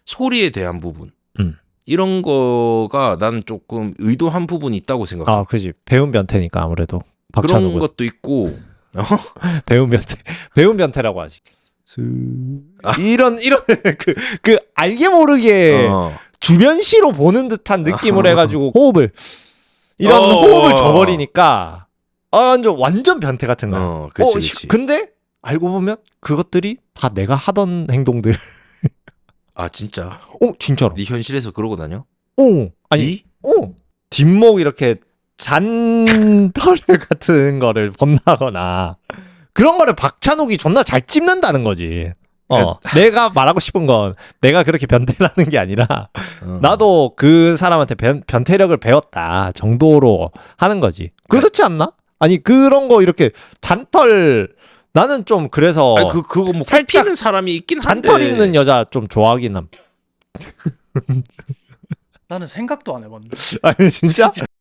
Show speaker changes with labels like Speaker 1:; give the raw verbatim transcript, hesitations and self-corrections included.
Speaker 1: 소리에 대한 부분
Speaker 2: 음.
Speaker 1: 이런 거가 난 조금 의도한 부분이 있다고 생각해.
Speaker 2: 아, 그지. 배운 변태니까 아무래도
Speaker 1: 그런
Speaker 2: 박찬욱은.
Speaker 1: 것도 있고
Speaker 2: 배운 변태. 배운 변태라고 하지. 스...
Speaker 1: 아.
Speaker 2: 이런 이런 그, 그 알게 모르게
Speaker 1: 어.
Speaker 2: 주변시로 보는 듯한 느낌을 해가지고 호흡을 이런
Speaker 1: 어.
Speaker 2: 호흡을 줘버리니까 아, 완전 완전 변태 같은 거야.
Speaker 1: 어, 그치,
Speaker 2: 어,
Speaker 1: 그치.
Speaker 2: 시- 근데 알고 보면 그것들이 다 내가 하던 행동들.
Speaker 1: 아 진짜?
Speaker 2: 어, 진짜로.
Speaker 1: 네 현실에서 그러고 다녀?
Speaker 2: 어, 아니,
Speaker 1: 네?
Speaker 2: 어, 뒷목 이렇게 잔털 같은 거를 본다거나 그런 거를 박찬욱이 존나 잘 찝는다는 거지. 어, 내가 말하고 싶은 건 내가 그렇게 변태라는 게 아니라
Speaker 1: 어.
Speaker 2: 나도 그 사람한테 변, 변태력을 배웠다 정도로 하는 거지. 그렇지 않나? 아니 그런 거 이렇게 잔털 나는 좀 그래서
Speaker 1: 아니 그 그거 뭐
Speaker 2: 살짝
Speaker 1: 살피는 사람이 있긴 한데.
Speaker 2: 잔털 있는 여자 좀 좋아하긴 함.
Speaker 3: 나는 생각도 안 해봤는데.
Speaker 2: 아니 진짜?